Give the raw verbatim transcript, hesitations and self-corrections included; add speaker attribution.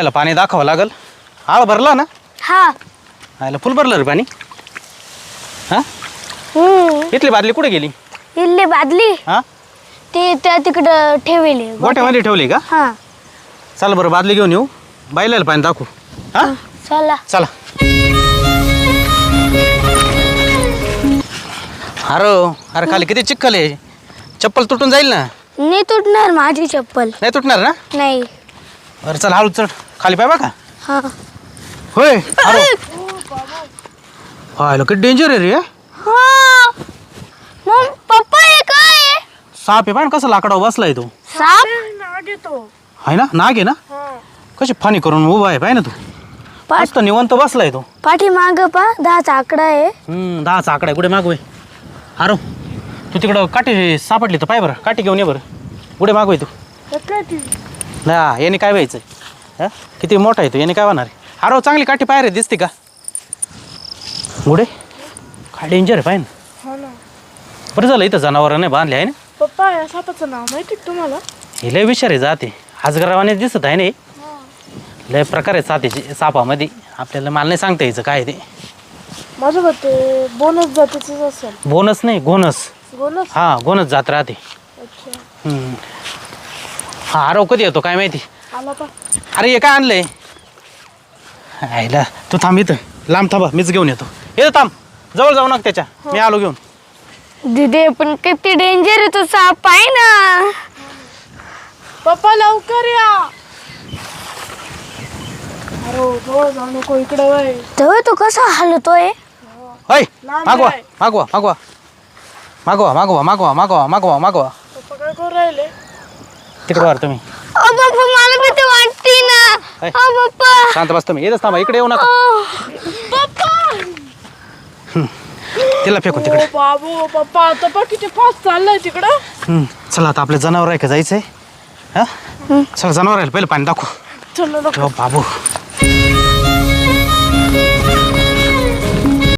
Speaker 1: बैलाला पाणी दाखवावं लागल. आळ भरला ना?
Speaker 2: हा.
Speaker 1: आयला फुल भरलं रे पाणी. हा
Speaker 2: हम्म.
Speaker 1: इथली बादली कुठे गेली?
Speaker 2: इल्ली बादली
Speaker 1: हा
Speaker 2: ती त्या तिकडं ठेवली.
Speaker 1: गोठ्यामध्ये ठेवली का?
Speaker 2: हा.
Speaker 1: चला बरं बादली घेऊन येऊ, बैलाला पाणी दाखवू. हा
Speaker 2: चला.
Speaker 1: चला. अरे अरे खाली किती चिखल आहे, चप्पल तुटून जाईल ना.
Speaker 2: नाही तुटणार माझी चप्पल.
Speaker 1: नाही तुटणार ना?
Speaker 2: नाही.
Speaker 1: अरे चल हळू चढ खाली पाय बघा.
Speaker 2: हा.
Speaker 1: होय अरे हायला किती डेंजर आहे रे.
Speaker 2: हा. मग पप्पा हे काय आहे?
Speaker 1: साप आहे पाय कसं लाकडावर बसलाय तो.
Speaker 2: साप?
Speaker 3: नाग येतो.
Speaker 1: आहे ना, नाग आहे ना. कशी फानी करून उभा आहे पाय ना तू. मस्त निवंत बसलाय तो.
Speaker 2: पाठी माग पा दहाचा आकडा आहे.
Speaker 1: हम्म दहाचा आकडा आहे. कुठे मागवय अरे तू तिकडं काठी सापडली तर पाय बरं, काठी घेऊन ये बरं. कुठे मागवय तू. ना याने काय व्हायचं. हा किती मोठा आहे तो, याने काय होणार आहे. अरे चांगली काठी पाय रे, दिसते का गुडे. काय डेंजर आहे पाय ना. बरं झालं इथं जनावर नाही बांधले आहे ना.
Speaker 3: पप्पा या सापाचं नाव माहिती तुम्हाला?
Speaker 1: हे लय विषारी जाते, आजगरावाने दिसत आहे ना. लय प्रकार आहे साथीचे सापामध्ये, आपल्याला मला नाही सांगता यायचं काय ते.
Speaker 3: माझं मते बोनस जातीचंच असेल.
Speaker 1: बोनस नाही गोनस.
Speaker 3: बोनस?
Speaker 1: हा गोनस जात राहते.
Speaker 3: अच्छा.
Speaker 1: हम्म. हा आरव कधी येतो काय माहिती.
Speaker 3: आला पा.
Speaker 1: अरे हे काय आणलंय. आईला तू थांब इथं, लांब थांबा मीच घेऊन येतो. येतो थांब, जवळ जाऊ नका त्याच्या, मी आलो घेऊन.
Speaker 2: दिदे पण किती डेंजर आहे तो साप आहे ना.
Speaker 3: पप्पा लवकर या. अरे जवळ जाऊ नको, इकडे वय.
Speaker 2: तो तो कसा हलतोय.
Speaker 1: होय मागवा मागवा मागवा मागवा मागवा मागवा मागवा मागवा मागवा.
Speaker 3: पप्पा काय करू राहिले?
Speaker 1: तिकडे वर तुम्ही.
Speaker 2: ओ बाप्पा मला भीती वाटते ना.
Speaker 1: हाय.
Speaker 2: ओ बाप्पा.
Speaker 1: शांत बस तुम्ही, येतच थांबा, इकडे येऊ नका.
Speaker 3: पप्पा.
Speaker 1: तिला फेकून तिकडे.
Speaker 3: ओ बाबू पप्पा आता पा किती फास्ट चाललाय तिकडं.
Speaker 1: हम्म, चला आता आपल्या जनावर आहे का जायचंय. हा चला जनावर आहे, पहिले पाणी दाखवू.
Speaker 3: चल
Speaker 1: बाबू